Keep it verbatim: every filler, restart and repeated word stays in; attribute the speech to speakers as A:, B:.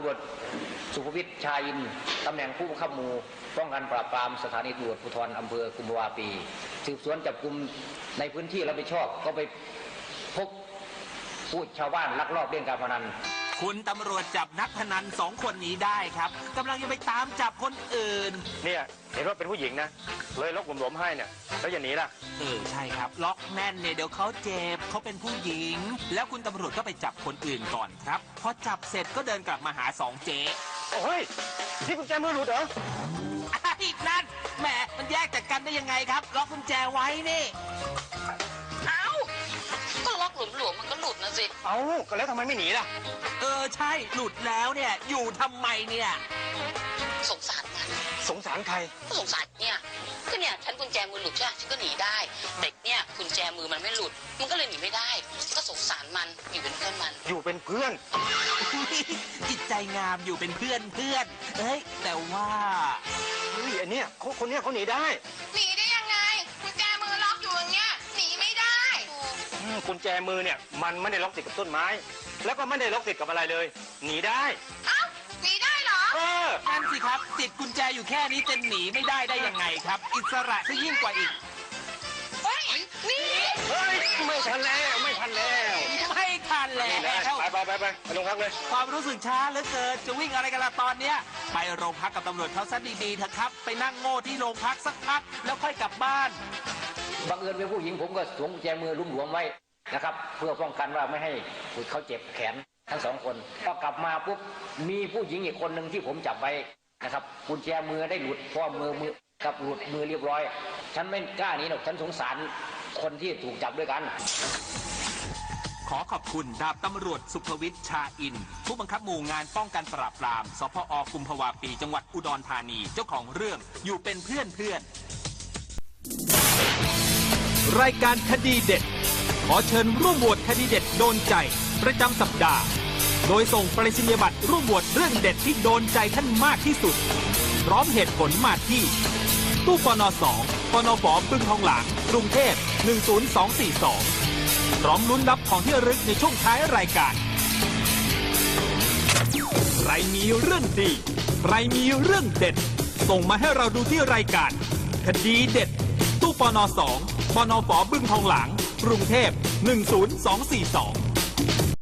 A: วจสุภวิทย์ชาอินตำแหน่งผู้บังคับหมู่ป้องกันปราบปรามสถานีตำรวจภูธรอำเภอกุมภาวะปีสืบสวนจับกุมในพื้นที่รับผิดชอบก็ไปพบผู้ชาวบ้านลักลอบเล่นการพนัน
B: คุณตำรวจจับนักพนันสองคนนี้ได้ครับกำลังจะไปตามจับคนอื่น
C: เนี่ยเห็นว่าเป็นผู้หญิงนะเลยล็อกหลวมๆให้เนี่ยแล้วอย่าหนีล่ะ
B: เออใช่ครับล็อกแน่นเนี่ยเดี๋ยวเขาเจ็บเขาเป็นผู้หญิงแล้วคุณตำรวจก็ไปจับคนอื่นก่อนครับพอจับเสร็จก็เดินกลับมาหาสองเจ๊
C: โอ้ยที่กุญแจมือหลุดเหรอ
B: อีกนั่นแหมมันแยกจากกันได้ยังไงครับล็อกกุญแจไว้นี่
D: เอ้าก็ล็อกหลวมๆมันก็หลุดนะสิ
C: เอ้าก็แล้วทำไมไม่หนีล่ะ
B: เออใช่หลุดแล้วเนี่ยอยู่ทำไมเนี่ย
D: สงสารมัน
C: สงสารใคร
D: ก็สงสารเนี่ยก็เนี่ยฉันกุญแจมือหลุดใช่ไหมฉันก็หนีได้เด็กเนี่ยกุญแจมือมันไม่หลุดมันก็เลยหนีไม่ได้ก็สงสารมันอยู่เป็นเพื่อนมัน
C: อยู่เป็นเพื่อน
B: จิตใจงามอยู่เป็นเพื่อนเพื่อนเฮ้ยแต่ว่า
C: เฮ้ยอันเนี้ยเขาคนเนี้ยเขาหนีได้
D: หนีได้ยังไงกุญแจมือล็อกอยู่อย่างเงี้ยหนีไม่ได้
C: กุญแจมือเนี่ยมันไม่ได้ล็อกติดกับต้นไม้แล้วก็ไม่ได้ล็อกติดกับอะไรเลยหนีได้
D: เอ้าหนีได้เหรอ
C: เออ
B: นั่นสิครับติดกุญแจอยู่แค่นี้จะหนีไม่ได้ได้ยังไงครับอิสระซะยิ่งกว่าอีก
D: เฮ้ยนี่
C: เฮ้ยไม่ทันแล้วไม่ทันแล้ว
B: ไม่ทันแล้ว
C: ไปไปไปไปไปโรงพักเลย
B: ความรู้สึกช้าเหลือเกินจะวิ่งอะไรกันล่ะตอนเนี้ยไปโรงพักกับตำรวจเขาซะดีๆเถอะครับไปนั่งโง่ที่โรงพักสักพักแล้วค่อยกลับบ้าน
A: บังเอิญเป็นผู้หญิงผมก็สวมกุญแจมือลุ่มหลวมไว้นะครับเพื่อป้องกันว่าไม่ให้เขาเจ็บแขนทั้งสองคนพอกลับมาปุ๊บมีผู้หญิงอีกคนหนึ่งที่ผมจับไว้นะครับกุญแจมือได้หลุดเพราะมือมือกับหลุดมือเรียบร้อยฉันไม่กล้าหนีหรอกฉันสงสารคนที่ถูกจับด้วยกัน
B: ขอขอบคุณดาบตำรวจสุภวิทย์ชาอินผู้บังคับหมู่งานป้องกันปราบปรามสพอกุมภาวะปีจังหวัดอุดรธานีเจ้าของเรื่องอยู่เป็นเพื่อนเพื่อน
E: รายการคดีเด็ดขอเชิญร่วมโหวตคดีเด็ดโดนใจประจำสัปดาห์โดยส่งไปรษณียบัตรร่วมโหวตเรื่องเด็ดที่โดนใจท่านมากที่สุดพร้อมเหตุผลมาที่ตู้ปนสองปนฝบึงทองหลางกรุงเทพหนึ่งศูนย์สองสี่สองพร้อมลุ้นรับของที่ระลึกในช่วงท้ายรายการใครมีเรื่องดีใครมีเรื่องเด็ดส่งมาให้เราดูที่รายการคดีเด็ดตู้ปนสองปนฝบึงทองหลางกรุงเทพหนึ่งศูนย์สองสี่สอง